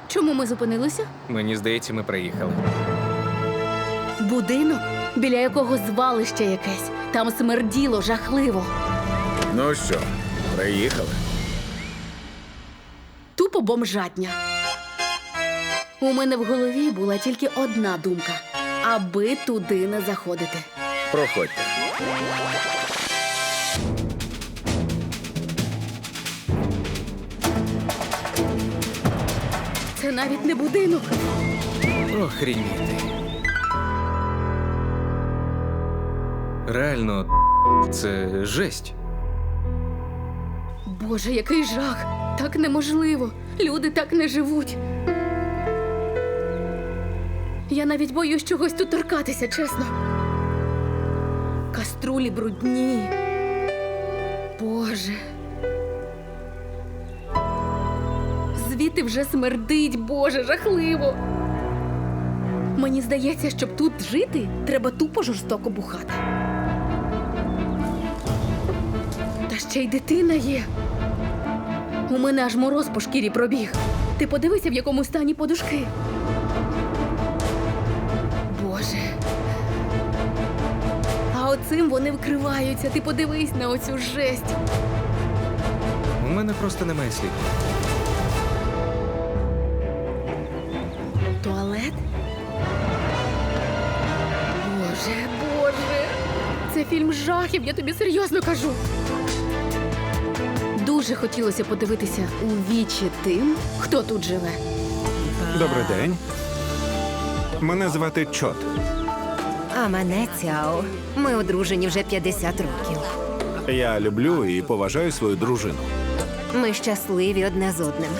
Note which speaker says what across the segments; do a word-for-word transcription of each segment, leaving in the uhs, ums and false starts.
Speaker 1: Чому ми зупинилися?
Speaker 2: Мені здається, ми приїхали.
Speaker 1: Будинок, біля якого звалище якесь. Там смерділо жахливо.
Speaker 3: Ну що, приїхали?
Speaker 1: Тупо бомжатня. У мене в голові була тільки одна думка. Аби туди не заходити.
Speaker 3: Проходьте.
Speaker 1: Це навіть не будинок.
Speaker 2: Охрініти. Реально, це жесть.
Speaker 1: Боже, який жах! Так неможливо. Люди так не живуть. Я навіть боюсь чогось тут торкатися, чесно. Каструлі брудні. Боже. Звідти вже смердить, Боже, жахливо. Мені здається, щоб тут жити, треба тупо жорстоко бухати. Та ще й дитина є. У мене аж мороз по шкірі пробіг. Ти подивися, в якому стані подушки. Боже. А оцим вони вкриваються. Ти подивись на оцю жесть.
Speaker 2: У мене просто немає слів.
Speaker 1: Туалет? Боже, Боже. Це фільм жахів, я тобі серйозно кажу. Дуже хотілося подивитися у вічі тим, хто тут живе.
Speaker 4: Добрий день. Мене звати Чот.
Speaker 5: А мене Цяо. Ми одружені вже п'ятдесят років.
Speaker 4: Я люблю і поважаю свою дружину.
Speaker 5: Ми щасливі одне з одним.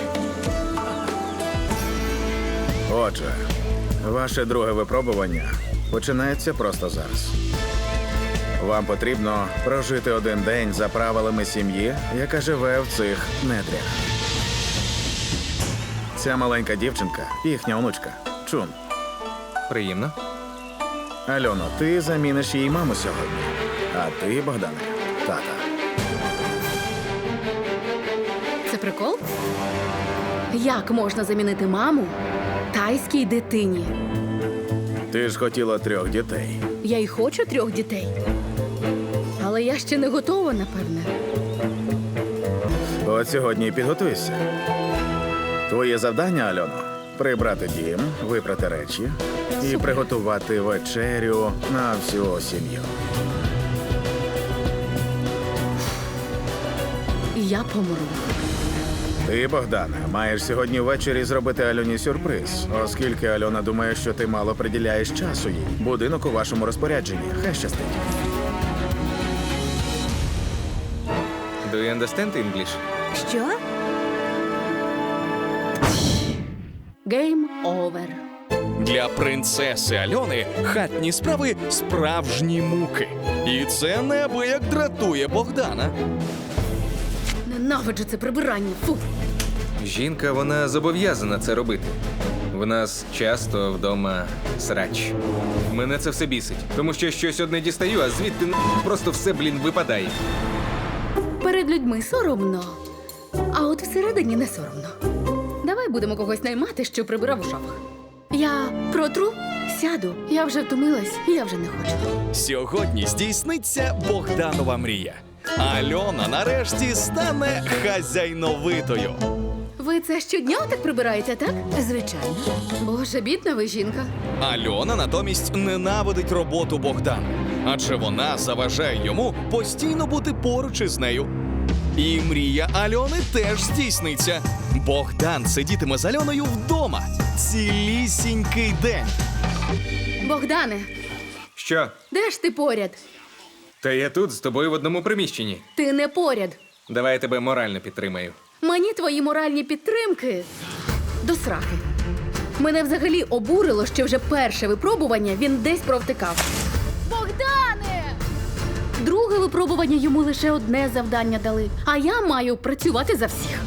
Speaker 3: Отже, ваше друге випробування починається просто зараз. Вам потрібно прожити один день за правилами сім'ї, яка живе в цих недрях. Ця маленька дівчинка – їхня онучка Чун.
Speaker 2: Приємно.
Speaker 3: Альоно, ти заміниш їй маму сьогодні. А ти, Богдане, тата.
Speaker 1: Це прикол? Як можна замінити маму тайській дитині?
Speaker 3: Ти ж хотіла трьох дітей.
Speaker 1: Я й хочу трьох дітей. Але я ще не готова, напевне.
Speaker 3: От сьогодні і підготуйся. Твоє завдання, Альоно, прибрати дім, випрати речі і приготувати вечерю на всю сім'ю.
Speaker 1: Я помру.
Speaker 3: Ти, Богдане, маєш сьогодні ввечері зробити Альоні сюрприз, оскільки Альона думає, що ти мало приділяєш часу їй. Будинок у вашому розпорядженні. Хай щастить.
Speaker 2: Do you understand English?
Speaker 5: Що?
Speaker 1: Game over.
Speaker 6: Для принцеси Альони хатні справи – справжні муки. І це неабияк дратує Богдана.
Speaker 1: Ненавиджу це прибирання. Фу.
Speaker 2: Жінка, вона зобов'язана це робити. В нас часто вдома срач. Мене це все бісить, тому що щось одне дістаю, а звідти н- просто все, блін, випадає.
Speaker 1: Перед людьми соромно. А от всередині не соромно. Давай будемо когось наймати, що прибирав у шафах. Я протру, сяду. Я вже втомилась, я вже не хочу.
Speaker 6: Сьогодні здійсниться Богданова мрія. Альона нарешті стане хазяйновитою.
Speaker 1: Ви це щодня так прибираєте, так?
Speaker 5: Звичайно.
Speaker 1: Боже, бідна ви жінка.
Speaker 6: Альона натомість ненавидить роботу Богдана, адже вона заважає йому постійно бути поруч із нею. І мрія Альони теж здійсниться. Богдан сидітиме з Альоною вдома цілісінький день.
Speaker 1: Богдане,
Speaker 2: Що?
Speaker 1: де ж ти поряд?
Speaker 2: Та я тут з тобою в одному приміщенні.
Speaker 1: Ти не поряд.
Speaker 2: Давай я тебе морально підтримаю.
Speaker 1: Мені твої моральні підтримки до сраки. Мене взагалі обурило, що вже перше випробування він десь провтикав. Богдане! Друге випробування йому лише одне завдання дали, а я маю працювати за всіх.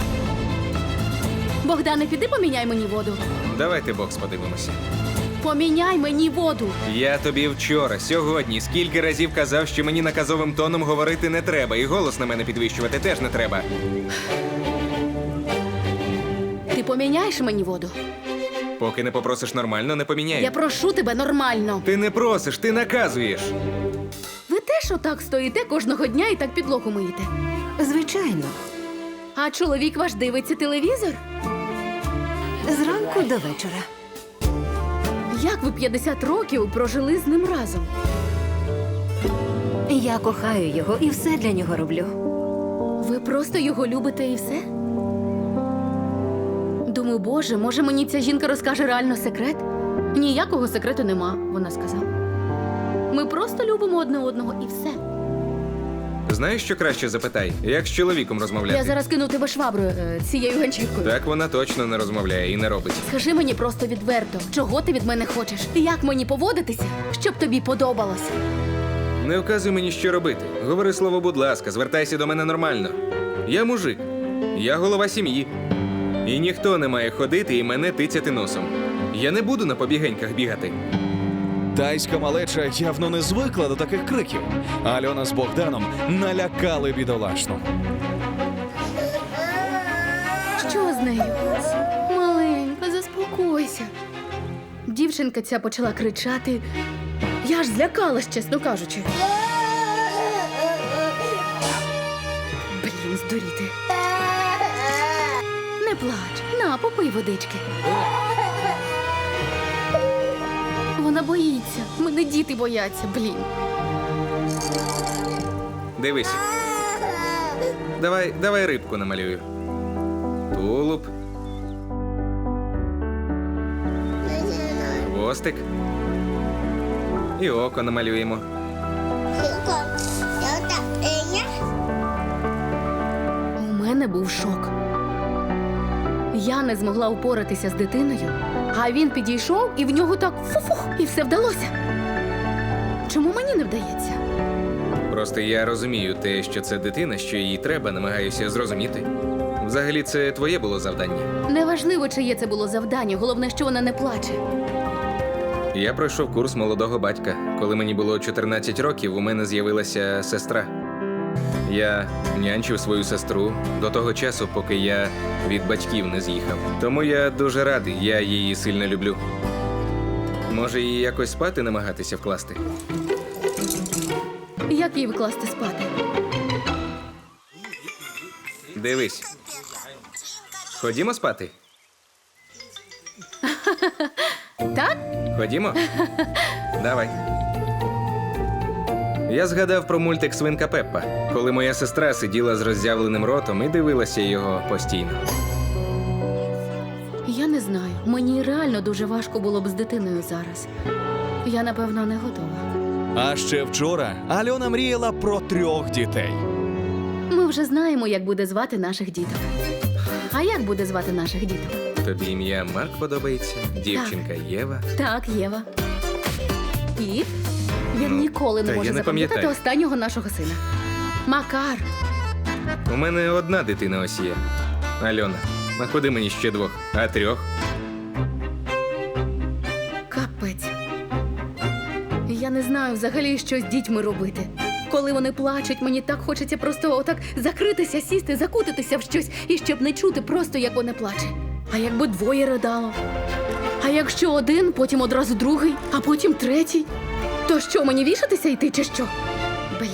Speaker 1: Богдане, піди поміняй мені воду.
Speaker 2: Давайте бокс подивимося.
Speaker 1: Поміняй мені воду.
Speaker 2: Я тобі вчора, сьогодні, скільки разів казав, що мені наказовим тоном говорити не треба, і голос на мене підвищувати теж не треба.
Speaker 1: Ти поміняєш мені воду?
Speaker 2: Поки не попросиш нормально, не поміняю.
Speaker 1: Я прошу тебе нормально.
Speaker 2: Ти не просиш, ти наказуєш.
Speaker 1: Ви теж отак стоїте кожного дня і так підлогу миєте.
Speaker 5: Звичайно,
Speaker 1: А чоловік ваш дивиться телевізор?
Speaker 5: зранку до вечора.
Speaker 1: Як ви п'ятдесят років прожили з ним разом?
Speaker 5: Я кохаю його і все для нього роблю.
Speaker 1: Ви просто його любите і все? Думаю, боже, може мені ця жінка розкаже реально секрет? Ніякого секрету нема, вона сказала. Ми просто любимо одне одного і все.
Speaker 2: Знаєш, що краще запитай? Як з чоловіком розмовляти?
Speaker 1: Я зараз кину тебе шваброю е, цією ганчіркою.
Speaker 2: Так вона точно не розмовляє і не робить.
Speaker 1: Скажи мені просто відверто, чого ти від мене хочеш? Як мені поводитися, щоб тобі подобалось?
Speaker 2: Не вказуй мені, що робити. Говори слово, будь ласка, звертайся до мене нормально. Я мужик, я голова сім'ї. І ніхто не має ходити і мене тицяти носом. Я не буду на побігеньках бігати.
Speaker 6: Тайська малеча явно не звикла до таких криків. Альона з Богданом налякали бідолашну.
Speaker 1: Що з нею? Маленька, заспокойся. Дівчинка ця почала кричати. Я ж злякалась, чесно кажучи. Блін, здуріти. Не плач. На, попий водички. Вона боїться. Мене діти бояться, блін.
Speaker 2: Дивись. Давай, давай рибку намалюю. Тулуб. Хвостик. І око намалюємо.
Speaker 1: У мене був шок. Я не змогла упоратися з дитиною, а він підійшов і в нього так фу-фух, і все вдалося. Чому мені не вдається?
Speaker 2: Просто я розумію те, що це дитина, що їй треба, намагаюся зрозуміти. Взагалі, це твоє було завдання.
Speaker 1: Неважливо, чиє це було завдання, головне, що вона не плаче.
Speaker 2: Я пройшов курс молодого батька. Коли мені було чотирнадцять років, у мене з'явилася сестра. Я нянчив свою сестру до того часу, поки я від батьків не з'їхав. Тому я дуже радий, я її сильно люблю. Може, її якось спати намагатися вкласти?
Speaker 1: Як їй вкласти спати?
Speaker 2: Дивись. Ходімо спати?
Speaker 1: Так?
Speaker 2: Ходімо? Давай. Я згадав про мультик «Свинка Пеппа», коли моя сестра сиділа з роззявленим ротом і дивилася його постійно.
Speaker 1: Я не знаю. Мені реально дуже важко було б з дитиною зараз. Я, напевно, не готова.
Speaker 6: А ще вчора Альона мріяла про трьох дітей.
Speaker 1: Ми вже знаємо, як буде звати наших діток. А як буде звати наших діток?
Speaker 2: Тобі ім'я Марк подобається, дівчинка Єва.
Speaker 1: Так, Єва. І він
Speaker 2: Ну,
Speaker 1: ніколи не
Speaker 2: та я
Speaker 1: може
Speaker 2: не
Speaker 1: запам'ятати
Speaker 2: пам'ятаю.
Speaker 1: останнього нашого сина. Макар.
Speaker 2: У мене одна дитина ось є. Альона. Находи мені ще двох, а трьох.
Speaker 1: Капець. Я не знаю взагалі, що з дітьми робити. Коли вони плачуть, мені так хочеться просто отак закритися, сісти, закутитися в щось, і щоб не чути просто, як вона плаче. А якби двоє ридало? А якщо один, потім одразу другий, а потім третій? То що, мені вішатися йти чи що? Блін.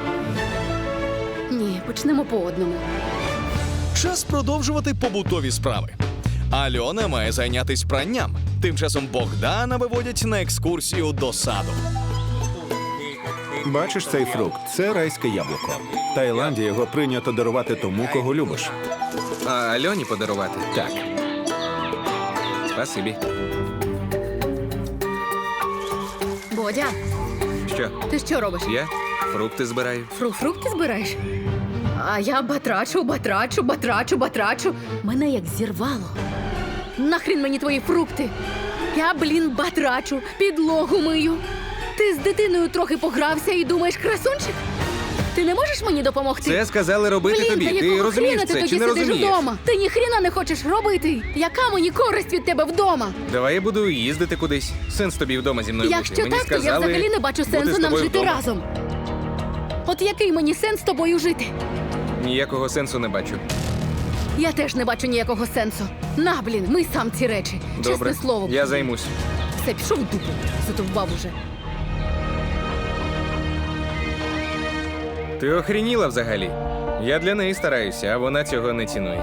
Speaker 1: Ні, почнемо по одному.
Speaker 6: Час продовжувати побутові справи. Альона має зайнятись пранням. Тим часом Богдана виводять на екскурсію до саду.
Speaker 4: Бачиш цей фрукт? Це райське яблуко. В Таїланді його прийнято дарувати тому, кого любиш.
Speaker 2: А Альоні подарувати?
Speaker 4: Так.
Speaker 2: Спасибі.
Speaker 1: Бодя,
Speaker 2: Що?
Speaker 1: ти що робиш?
Speaker 2: Я фрукти збираю.
Speaker 1: Фру фрукти збираєш? А я батрачу, батрачу, батрачу, батрачу. Мене як зірвало. Нахрін мені твої фрукти. Я, блін, батрачу, підлогу мию. Ти з дитиною трохи погрався і думаєш, красунчик? Ти не можеш мені допомогти?
Speaker 2: Це сказали робити
Speaker 1: Блін,
Speaker 2: тобі.
Speaker 1: та
Speaker 2: Ти
Speaker 1: якого
Speaker 2: розумієш
Speaker 1: хріна ти
Speaker 2: це
Speaker 1: тоді
Speaker 2: чи не
Speaker 1: сидиш
Speaker 2: розумієш?
Speaker 1: вдома? Ти ні хріна не хочеш робити. Яка мені користь від тебе вдома?
Speaker 2: Давай я буду їздити кудись. Сенс тобі вдома зі мною
Speaker 1: Якщо
Speaker 2: бути. Мені
Speaker 1: так, то я
Speaker 2: сказали
Speaker 1: взагалі не бачу
Speaker 2: бути
Speaker 1: сенсу
Speaker 2: з
Speaker 1: нам
Speaker 2: тобою
Speaker 1: жити
Speaker 2: вдома.
Speaker 1: разом. От який мені сенс з тобою жити?
Speaker 2: Ніякого сенсу не бачу.
Speaker 1: Я теж не бачу ніякого сенсу. На, блін, ми сам ці речі.
Speaker 2: Добре,
Speaker 1: Чесне слово.
Speaker 2: я займусь.
Speaker 1: Все, пішов в дупу. Задовбав уже.
Speaker 2: Ти охреніла взагалі? Я для неї стараюся, а вона цього не цінує.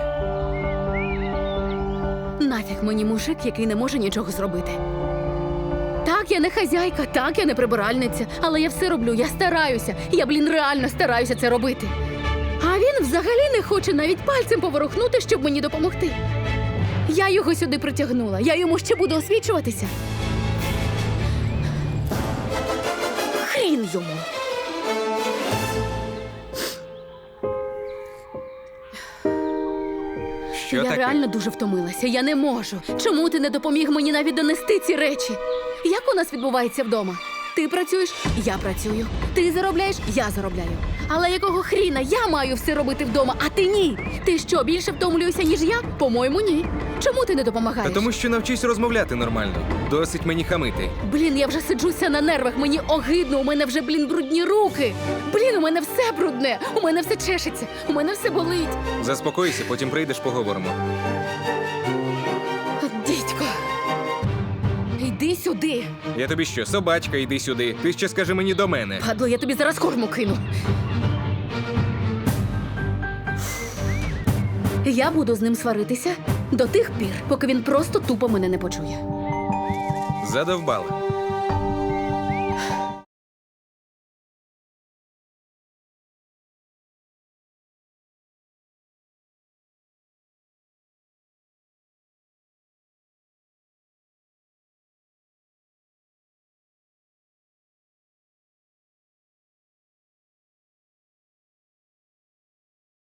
Speaker 1: Нафіг мені мужик, який не може нічого зробити. Так, я не хазяйка, так, я не прибиральниця, але я все роблю, я стараюся. Я, блін, реально стараюся це робити. А він взагалі не хоче навіть пальцем поворухнути, щоб мені допомогти. Я його сюди притягнула, я йому ще буду освічуватися. Хрін йому.
Speaker 2: Що
Speaker 1: я
Speaker 2: таке?
Speaker 1: реально дуже втомилася. Я не можу. Чому ти не допоміг мені навіть донести ці речі? Як у нас відбувається вдома? Ти працюєш, я працюю. Ти заробляєш, я заробляю. Але якого хріна я маю все робити вдома, а ти ні? Ти що, більше втомлюєшся, ніж я? По-моєму, ні. Чому ти не
Speaker 2: Та
Speaker 1: допомагаєш?
Speaker 2: тому що навчись розмовляти нормально. Досить мені хамити.
Speaker 1: Блін, я вже сиджуся на нервах, мені огидно, у мене вже, блін, брудні руки. Блін, у мене все брудне, у мене все чешеться, у мене все болить.
Speaker 2: Заспокойся, потім прийдеш, поговоримо.
Speaker 1: От дідько. Йди сюди.
Speaker 2: Я тобі що, собачка, йди сюди. Ти ще скажи мені до мене.
Speaker 1: Падло, я тобі зараз корму кину. Я буду з ним сваритися до тих пір, поки він просто тупо мене не почує.
Speaker 2: Задовбала.